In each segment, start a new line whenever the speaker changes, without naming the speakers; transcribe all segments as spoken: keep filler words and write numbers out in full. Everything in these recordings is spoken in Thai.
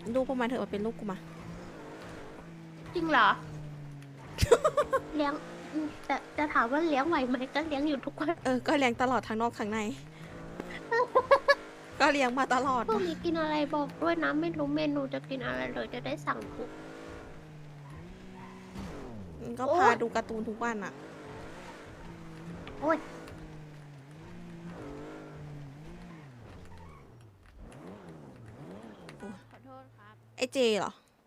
ลูกพวกมันเถอะมาเป็นลูกกูมา
จริงเหรอ เลี้ยงแต่จะถามว่าเลี้ยงไหวไหมก็เลี้ยงอยู่ทุกวัน
เออ ก็เลี้ยงตลอดทั้งนอกทั้งใน ก็เลี้ยงมาตลอด
พวกนี้กินอะไรบอกด้วยนะไม่รู้เมนูจะกินอะไรเลยจะได้สั่งถูก
ก็
โอ๊
พาย ดูการ์ตูนทุกวันอะ
โอ้ย
ขอโทษครับ
ไอเจเหรอ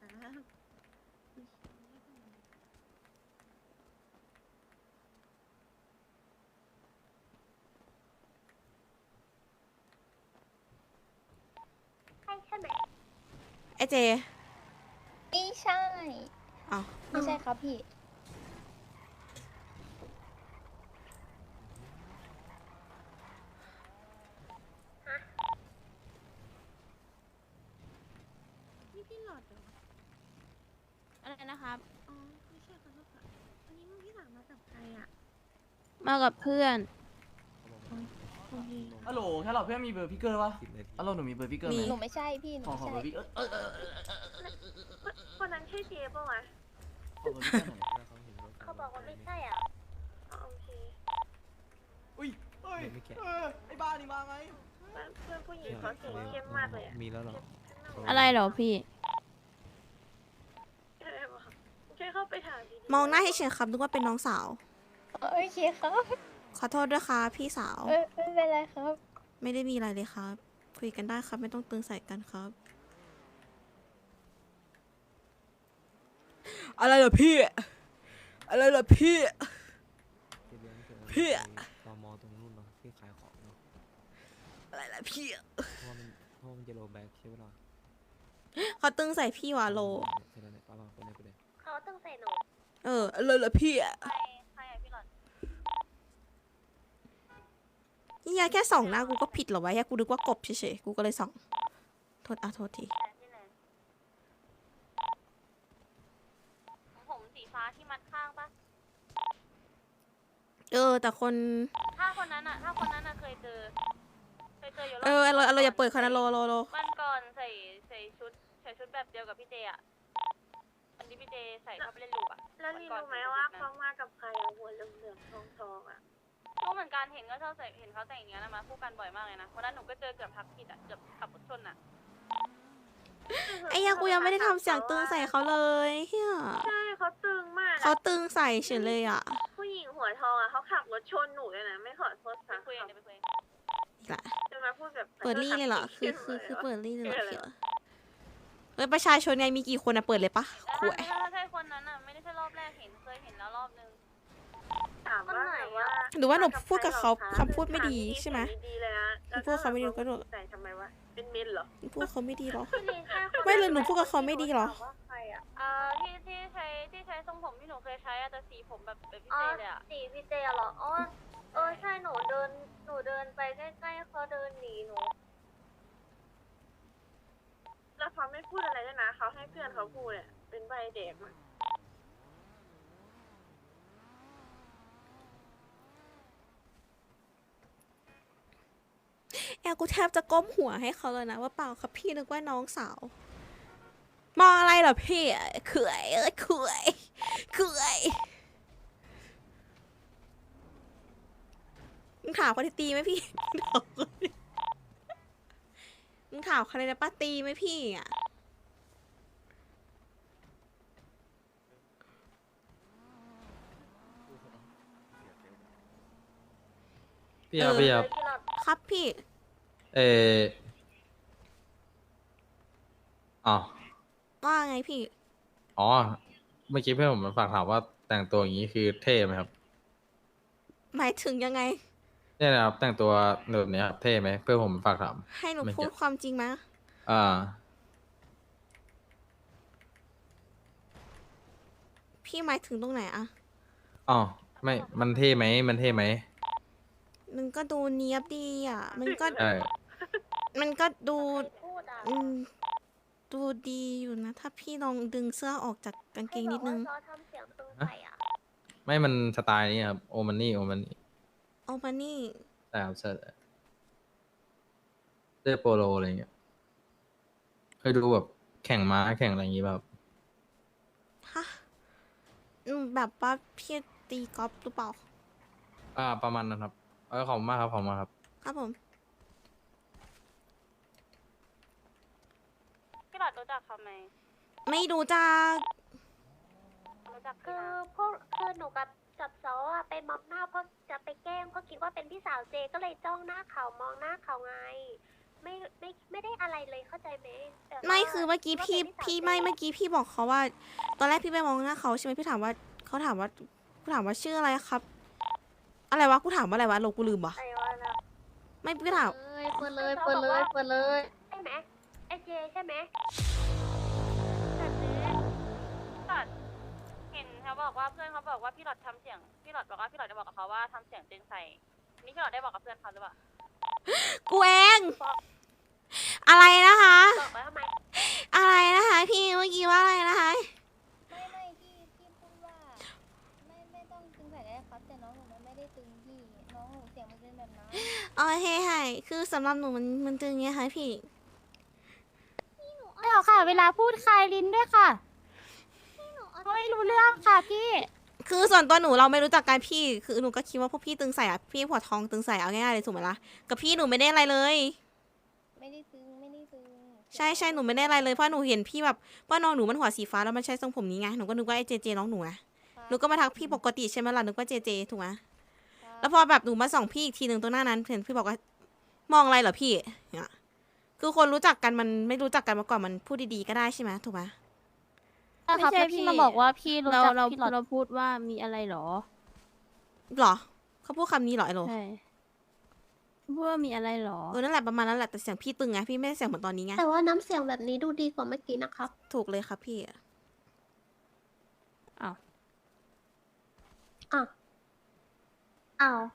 ใช่ใช่ไหม
ไอเจ
ไม่ใช่
อ้าว
ไม่ใช่ครับพี่
นี่พี่หลอดเหรอ
อะไรนะครับ
อ๋อไม่ใช่ขอโทษค่ะวันนี้พี่หลังมากับใครอ่ะ
มากับเพื่อน
โอเค
ฮัลโหลแค่เราเพื่อนมีเบอร์พี่เกอร์ปะฮัลโหลหนูมีเบอร์พี่เกอร์ไหม
หนูไม่ใช่พี่ หนู
ขอ
ไม่
ขอ
ใช่
เบอร์พี่เกอร์เออเออเออเออเออ
คนนั้นใช่เจ๊ป่ะวะ
ขอเบอร์พี่เกอร์หน่อย
เขาบอกว่าไม่ใช่อ่ะอ๋อโอเค
อุ้ยเฮ้ยเออไอ้บ้านี่มาไง
เพื่อนผู้หญิงเขาสีเข้มมากเลยอ่ะ
มีแล้วเหรอ
อะไรเหรอพี่
อะไรวะช่วยเข้าไปถามดี
มองหน้าให้เฉยครับนึกว่าเป็นน้องสาว
โอเคครับ
ขอโทษด้วยค่ะพี่สาว
เออไม่เป็นไรครับ
ไม่ได้มีอะไรเลยครับ คุยกันได้ครับ ไม่ต้องตึงใส่กันครับ อะไรเหรอพี่ อะไรเหรอพี่
ที่เลี้ยงเธอ
พี่
ตอมอตรงนู้นเนาะที่ขายของเนาะ
อะไรล่ะพี่
เพราะว่ามันเพราะว่ามันจะโลแบ็กใช่ไหมล่ะ
เขาตึงใส่พี่ว่ะโล
ใช่แล้วเนี่ยป้าป้าไปเลยไปเลย
เขาตั้งใส่หนู
เอออะไรเหรอพี่
ใครใครอ่ะพี่หลอด
นี่ยาแค่ส่องหน้ากูก็ผิดเหรอวะแค่กูนึกว่ากบเฉยๆ กูก็เลยส่อง โทษอ่ะโทษที
ที่ไหนผมสีฟ้าที่มัดข้างปะ
เออ แต่คน
ถ้าคนนั้นอ่ะ ถ้าคนนั้นอ่ะเคยเจอ เคยเจออยู่รบ
เออเราเราอย่าเปิดคานาโลโลโล
วันก่อนใส่ใส่ชุดใส่ชุดแบบเดียวกับพี่เจอ่ะวันที่พี่เจใส่เข้าไปเล่นลูกอ่ะ
แล้วนี่รู้ไหมว่าเขามากับใครอะหัวเหลืองๆทองๆอะ
รู้เหมือนกันเห็นก็ชอบใส่เห็นเขาแต่งอย่างเงี้ยนะมาคู่กันบ่อยมากเลยนะวันนั้นหนูก็เจอเกือบทับผิดอ่ะเกือบขับรถชนอ่ะ
ไอ้ยากูยังไม่ได้ทำเสียงตึงใส่เขาเลยเฮีย
ใช่เขาตึงมาก
เขา
อะ
ตึงใส่เฉยเลยอ่ะ
ผู้หญิงหัวทองอะเขาขับรถชนหนูเลยนะไม่ขอโทษ
ไป
ค่ะ
คุยกันเดี๋ยวไปคุย
อีกละ
จะมาพูดแบบ
เปิดรี่เลยเหรอ คือ คือ คือ
เปิด
เปิดรี่เลยเหรอเฮียเฮ้ยประชาชนไงมีกี่คนอะเปิดเลยปะ
แต่
ขว
ถ้าย ถ้าใช่คนนั้นอ่ะไม่ได้ใช่รอบแรกเห็นเคยเห็นแล้วรอบนึง
ถามว่าแบบว่า
หรือว่าหนูพูดกับเขาคำพูดไม่ดีใช่ไหม
ดีเลยนะแล้ว
พูดเขาไม่ดีก็โดน
ใส่ทำไมวะเป็นเมนเหรอ
พูดเขาไม่ดีหรอ
พี่ลินใช่คน
ไม่เลยหนูพูดกับเขาไม่ดีหรอ
ถามว่าใครอะ
เอ่อที่ที่ใช้ที่ใช้ทรงผมที่หนูเคยใช้อะแต่สีผมแบบแบบพี่
อ๋อ
เจเลยอะ
สีพี่เจเหรออ๋อเออใช่หนูเดินหนูเดินไปใกล้ๆเขาเดินหนีหนูแล้วเขาไม่พูดอะไรด้วยนะเขาให้เพื่อนเขาพูดเนี่ยเป็นใบเด็กมา
แอลกูแทบจะก้มหัวให้เขาเลยนะว่าเปล่าครับพี่นึกว่าน้องสาว มองอะไรเหรอพี่เขื่อยเอ้ยเขื่อยเขื่อยมึงถามคนที่ตีไหมพี่ มึงถามใครนะป้าตีไหมพี่อ่ะ
พี่ครับพี่ครับ
ครับพี่
เอออ๋อ
ว่าไงพี่
อ๋อ เมื่อกี้เพื่อนผมมันฝากถามว่าแต่งตัวอย่างนี้คือเท่ไหมครับ
หมายถึงยังไง
เนี่ยนะครับ แต่งตัวแบบนี้ครับเท่ไหมเพื่อนผมฝากถาม
ให้หนู
ไม่
พูด
เกี่ยว
ความจริงไหม
อ่า
พี่หมายถึงตรงไหนอะ
อ๋อ ไม่ มันเท่ไหม มันเท่ไหม
มันก็ดูเนี้ยบดีอ่ะ มันก็
ใช่
มันก็ดู
พูดอ่ะ
อืมดูดีอยู่นะ ถ้าพี่ลองดึงเสื้อออกจากกางเกงนิดนึง
ให้บอกว่าซอทำเสียงตึงใส่อ่ะ
ไม่ มันสไตล์นี้ครับ โอมันนี่ โอมันนี่
เอามานี่
ใช่ครับใช่เสื้อโปโลอะไรเงี้ยให้ดูแบบแข่งม้าแข่งอะไรอย่างงี้แบบ
ฮะอืมแบบว่าพี่ตีกอล์ฟหรือเปล่า
อ่าประมาณนั้นครับเออขอบคุณมากครับขอบคุณมากครับ
ครับผม
พี่หลอดรู้จักเขาไหม
ไม่รู้จัก
รู้จัก
คื
พี่
อ
นะ
พวกคือหนูกับจับซออะไปมอบหน้าเพราะจะไปแกล้งเพราะคิดว่าเป็นพี่สาวเจก็เลยจ้องหน้าเขามองหน้าเขาไง ไม่ไม่ไม่ได้อะไรเลยเข้าใจไหมแต่ว่า
ไม่คือเมื่อกี้พี่
คิดว่าเป็น
พี่
สาว
ไม่
เจ
เมื่อกี้พี่บอกเขาว่า ตอนแรกพี่ไปมองหน้าเขาใช่ไหมพี่ถามว่าเขาถามว่ากูถามว่าชื่ออะไรครับ อะไรวะกูถามว่าอะไรวะโลกูลืมวะ
ไอ้วะนะ
ไม่พี่ถาม
เลยเปิดเลยเปิดเลยเปิดเลยใช่ไหมไอเจใช่ไหม
แต่เจ๊หลอดเห็นเขาบอกว่าเพื่อนเขาบอกว่าพี่หลอดทำเสียงพี่หลอดบอกว่าพี่หลอดได้บอกกับเขาว่าทำเสียงตึงใส่นี่พี่หลอดได้บอกกับเพื่อนเขาหรือเปล่า
กูเอง อะไรนะคะ
บอกไว้ทำไม
อะไรนะคะพี่เมื่อกี้ว่าอะไรนะคะ
ไม่ไม่พี่พี่พูดว่า ไม่ไม่ต้องตึงใส่ได้ครับ แต่น้องหนูมันไม่ได้ตึงพี่ น้องหนูเสียงมันเป็นแบบนั้น
โอเคค่ะคือสำหรับหนูมันมันตึงไงคะพี่
ไม่หรอกค่ะ เวลาพูดคลายลิ้นด้วยค่ะไม่รู้เรื่องค่ะพี่
คือส่วนตัวหนูเราไม่รู้จักกันพี่ คือหนูก็คิดว่าพวกพี่ตึงใส่อะพี่หัวทองตึงใส่เอาง่ายๆเลยถูกไหมล่ะ กับพี่หนูไม่ได้อะไรเลย
ไม่ได้ตึงไม่ได้ตึง
ใช่ใช่หนูไม่ได้อะไรเลยเพราะหนูเห็นพี่แบบว่าน้องหนูมันหัวสีฟ้าแล้วมันใช้ทรงผมนี้ไง หนูก็นึกว่าไอ้เจเจน้องหนูไง
ครับ
หนูก็มาทักพี่ปกติใช่ไหมล่ะนึกว่าเจเจถูกไหม
ครับ
แล้วพอแบบหนูมาส่องพี่อีกทีหนึ่งตรงหน้านั้นเห็นพี่บอกว่ามองอะไรเหรอพี่เนี่ยคือคนรู้จักกันมันไม่รู้จักกันมาก่อนมันพูดดีๆก็ได้ใช่ไหมถูกไหม
ไม่ใช่พี่มาบอกว่าพี่รู้
เรา
จัก
เรา
พี่หลอด
เราพูดว่ามีอะไรเหรอ
หรอเขาพูดคำนี้เหรอไอโร
ใช่พูดว่ามีอะไรเหรอ
เออนั่นแหละประมาณนั้นแหละแต่เสียงพี่ตึงไงพี่ไม่ได้เสียงเหมือนตอนนี้ไง
แต่ว่าน้ำเสียงแบบนี้ดูดีกว่าเมื่อกี้นะครับ
ถูกเลยครับพี่
อ้าวอ้าว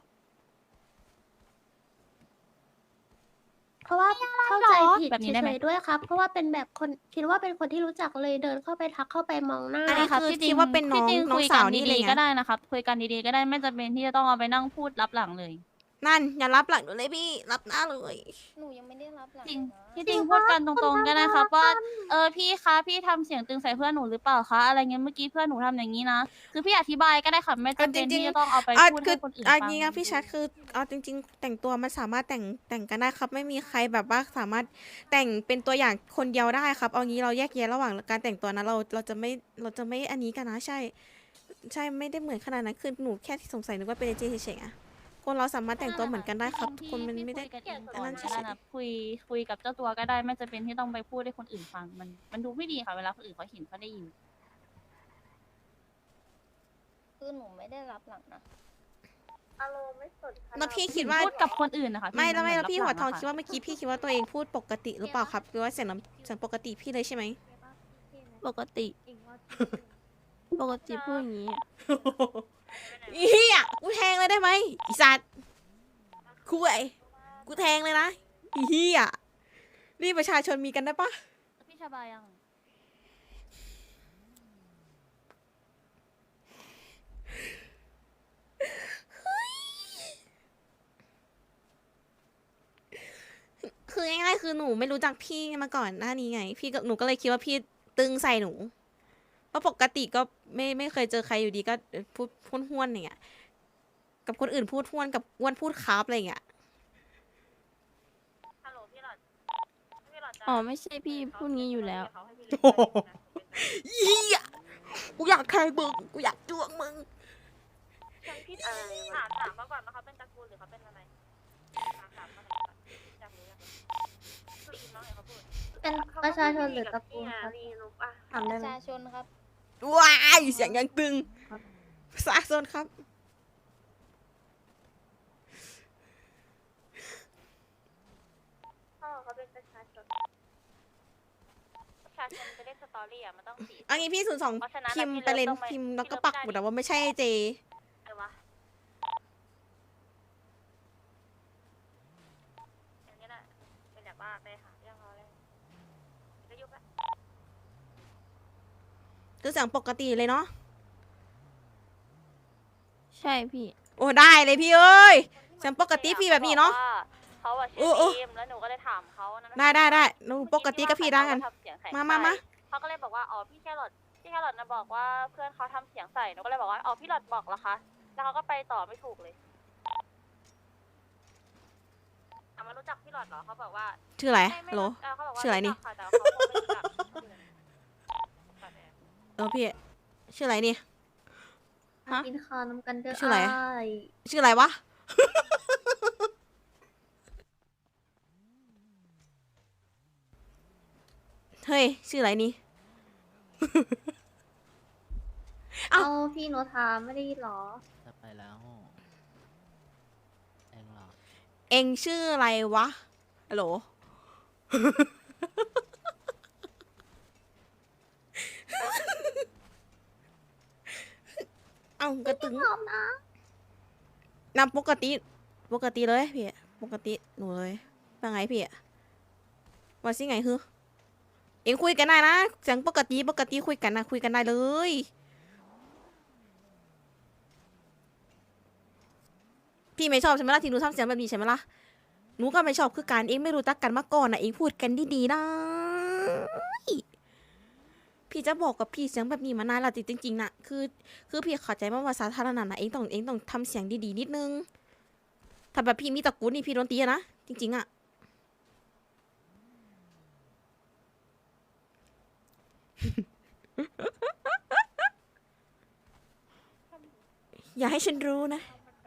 เพราะว่าเข้าใจผิด
แบบนี้ได้ไหม
เฉยๆด้วยครับ เพราะว่าเป็นแบบคนคิดว่าเป็นคนที่รู้จักเลยเดินเข้าไปทักเข้าไปมองหน้า
อันนี้
ครับ
คือ
ที่จริ
คิ
ง
ดว่าเป็นน้อง
ที่จริ
น้อง
คุย
สาว
กัน
นี่เลย
ดีๆ
ไง
ก็ได้นะครับคุยกันดีๆก็ได้ไม่จำเป็นที่จะต้องเอาไปนั่งพูดรับหลังเลย
นั่นอย่ารับหลังหนูเลยพี่รับหน้าเลย
หนูยังไม่ได้รับหลัง
จริง
นะ
ที่จริงพูดกันตรงๆก็ได้ครับว่าเออพี่คะพี่ทำเสียงตึงใส่เพื่อนหนูหรือเปล่าคะอะไรเงี้ยเมื่อกี้เพื่อนหนูทำอย่างนี้นะคือพี่อธิบายก็ได้ค่ะไม่จำเป็นที่จะต้องเอาไป
อ่ะ
พูด
คื
ให้
อ
คนอื่น
อ่ะ
ฟัง
จริงๆพี่ชัดคือเอาจริง ๆ แต่งตัวมันสามารถแต่งแต่งกันได้ครับ ไม่มีใครแบบว่าสามารถแต่งเป็นตัวอย่างคนเดียวได้ครับ เอางี้เราแยกแยะระหว่างการแต่งตัวนะเราเราจะไม่เราจะไม่อันนี้กันนะใช่ ใช่ไม่ได้เหมือนขนาดนั้นคือหนูแค่ที่สงสัยนึกว่าเป็นเจเฉยๆอะคนเราสามารถแต่งตัวเหมือนกันได้ครับทุกคนมันไม่ได้
คุยกันเอง
อั
ก่
น
อ
นั้น น
ก็
เฉ
ได้
ย
นะคุยคุยกับเจ้าตัวก็ได้ไม่จำเป็นที่ต้องไปพูดให้คนอื่นฟังมันมันดูไม่ดีค่ะเวลาคนอื่นเขาเห็นเขาได้ยิน
คือหนูไม่ได้รับหลังนะ
อารมณ์ไม่สน
ๆแล้วพี่คิดว่า
พูดกับคนอื่นนะคะ
ไม่แล้วไม่
น
แล้วพี่
รับ
หัวทอง
ลัะ
คิดว่าเมื่อกี้พี่คิดว่าตัวเองพูดปกติหรือเปล่าครับหรือว่าเสียงน้ำเสียงปกติพี่เลยใช่ไหม
ปกติ ปกติพูดอย่างนี้
อีเหี้ยกูแทงเลยได้ไหมอีสัตว์คุยกูแทงเลยนะอีเหี้ยนี่ประชาชนมีกันได้ปะ
พี่ชาบายัง
คือง่ายๆคือหนูไม่รู้จักพี่มาก่อนหน้านี้ไง พี่ก็หนูก็เลยคิดว่าพี่ตึงใส่หนูเพราะปกติก็ไม่ไม่เคยเจอใครอยู่ดีก็พูดพูดห้วนอย่างเงี้ยกับคนอื่นพูดห้วนกับอ้วนพูดคาร์บอะไรอย่างเงี้ย
ฮัลโหลพี่หลอดพี่หลอดจะ
อ๋อไม่ใช่พี่พูดงี้อยู่แล้ว
เขาให้พี่เล่นด้วยนะ
เหี้ยกูอยากแทงมึงกูอยากจ้วงมึง
ฉันผิดอะไรวะถามถามมาก่อนว่าเขาเป็นตระกูลหรือเขาเป็นอะไรถามถามมาหน่อยก่อนอยากรู้อยากรู้คืออีน้องเนี่ยเขาพูด
เป็นประชาชนหรือตระกูลครับ
รีนุกอ่ะ
ถาม
ป
ได้
ระ
ไหม
ชาชนครับ
ว้ายเสียงยังตึงประชาชนครับ
พ่อเขาเป็นประชาชนประชาชนจะเล่นสตอรี่อ่ะมันต้องสี
อันนี้พี่ศูนย์สอง
เพราะฉะนั้น
พิมพ์
พี่
ไปเลย
เลิฟต้องไป
พิมพ์แล้วก็
พี่เลิฟ
ปักหมุดอะว่าไม่ใช่เจ
อะไรวะอย่างนี้แหละเป็นแบบว่าไปหาเรื่องเขาเลยก็ยุบละ
คือเสียงปกติเลยเนาะ
ใช่พี่
โอ้ได้เลยพี่เอ้ย เสียงปกติพี่แบบนี้เนาะ
เขาอะ
โอ้
ชื่อ
โอ้
ทีมแล้วหนูก็เลยถามเขานะ
ได้ได้ได้หนูปกติกับพี่ได้กัน
ทำเสียงใส่
มามามา
เขาก็เลยบอกว่าอ๋อพี่แครอทพี่แครอทนะบอกว่าเพื่อนเขาทำเสียงใส่หนูก็เลยบอกว่าอ๋อพี่หลอดบอกเหรอคะแล้วเขาก็ไปต่อไม่ถูกเลยถามว่ารู้จักพี่หลอดเหรอเขาบอกว่า
ชื่ออะไร
ไม่ไม่
โหล
เออเขาบอกว่า
ชื่ออะไรนี่
จักค่ะแต่ว่าเขาคงไม่รู้จัก
เออพี่ชื่ออะไรนี่ ฮะ
กินข้าวน้ำกันเด้อ
ชื่ออะไร
อ้าย
ชื่ออะไรวะ เฮ้ยชื่ออะไรนี่ เอ้า
เอาพี่โนทาไม่ได้ยินเหรอ
จะไปแล้วเองเหรอ
เองชื่ออะไรวะฮัลโหล เอ้ากระตึง
พร้อมนะ
นำปกติ ปกติเลยพี่ ปกติหนูเลยว่าไงพี่ว่าสิไงคือเองคุยกันได้นะเสียงปกติปกติคุยกันนะคุยกันได้เลย พี่ไม่ชอบใช่ไหมล่ะที่หนูทำเสียงแบบนี้ใช่ไหมล่ะหนูก็ไม่ชอบคือการเองไม่รู้จักกันมาก่อนนะเองพูดกันดีๆนะพี่จะบอกกับพี่เสียงแบบนี้มานานแล้วจริงๆนะคือคือพี่เข้าใจว่าภาษาสาธารณะนะเองต้องเองต้องทำเสียงดีๆนิดนึงถ้าแบบพี่มีตะกรุดนี่พี่โดนตีอะนะจริงๆอะ อย่าให้ฉันรู้นะ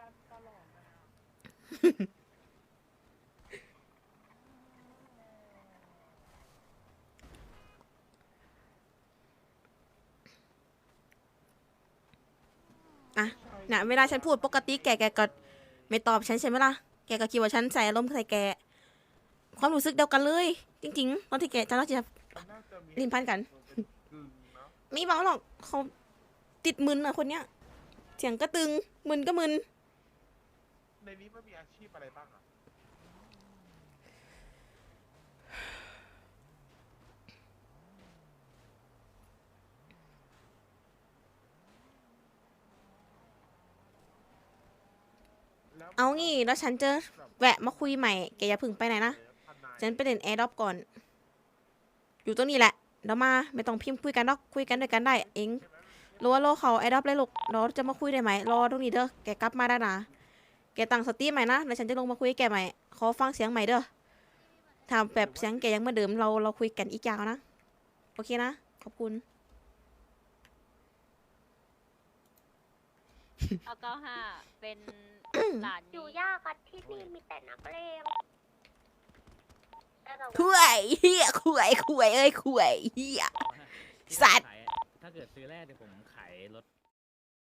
อ่ะนะเวลาฉันพูดปกติแกแกก็ไม่ตอบฉันใช่ไหมล่ะ แกก็คิดว่าฉันใส่อารมณ์ใส่แก ความรู้สึกเดียวกันเลย จริงๆตอนที่แกจะเราจะลิ้นพันกัน ไม่เบาหรอกเขาติดมึนอะคนเนี้ย เสียงก็ตึง มึนก็มึน
ในนี้มันมีอาชีพอะไรบ้างอ่ะ
เอางี้แล้วฉันจะแวะมาคุยใหม่ แกอย่าเพึ่งไปไหนนะ ฉันไปเล่นแอร์ดรอปก่อน อยู่ตรงนี้แหละเดี๋ยวมา ไม่ต้องพิมพ์คุยกันหรอกคุยกันด้วยกันได้ เองรัวโลเขาแอร์ดรอปเลยลูกเราจะมาคุยได้ไหม รอตรงนี้เด้อ แกกลับมาได้นะ แกตั้งสติใหม่นะ แล้วฉันจะลงมาคุยกับแกใหม่ ขอฟังเสียงใหม่เด้อถ้าแบบเสียงแกยังเหมือนเดิม เราเราคุยกันอีกยาวนะ โอเคนะ ขอบคุณ
เอาเก้าห้าเป็นหลาน
อยู่ยากอะที่นี่มีแต่นักเลงแต่เรา
คุยเฮียคุยคุยเอ้ยคุยเฮีย สัตว์
ถ้าเกิดซื้อแรกเดี๋ยวผมขายรถ